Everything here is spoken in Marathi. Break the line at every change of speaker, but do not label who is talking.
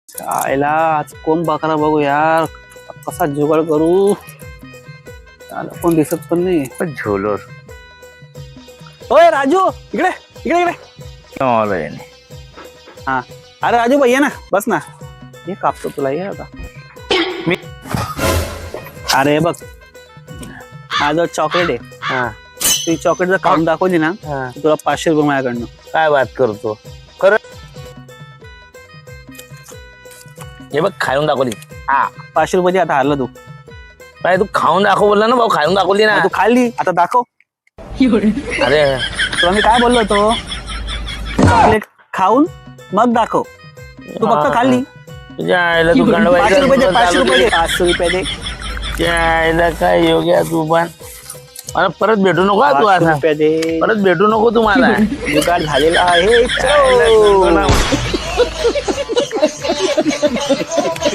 आयला आज कोण बकरा बघू यार, कसा जुगाड करू. त्याला कोण दिसत पण नाही.
झोलर
ओय राजू, इकडे इकडे इकडे. हा अरे राजू भाई ये ना, बस ना. हे कापतो तुला, ये आता. अरे बघ, हा जो चॉकलेट आहे,
हा
ती चॉकलेट जर खाऊन दाखवली ना,
हा.
तुला 500 रुपये माझ्याकडनं.
काय बात करतो खरं. हे बघ खाऊन दाखवली.
हा 500 रुपयाची आता हारला तू.
काय तू खाऊन दाखव बोलला ना भाऊ, खाऊन दाखवली ना.
तू खाल्ली, आता दाखव.
अरे
तुला मी काय बोललो होतो, चॉकलेट खाऊन मग दाखव. तू फक्त खाल्ली.
तुझ्या आईला तू
500 रुपये दे, 500 रुपये दे,
गंडवायचं
500 रुपये दे.
तुझ्या आईला काय योग्य तू पण. मला परत भेटू नको हा तू
500
आता.
रुपये दे.
परत भेटू नको तू मला.
जुगाड झालेला आहे.
आईला
चलो.
गंडवला.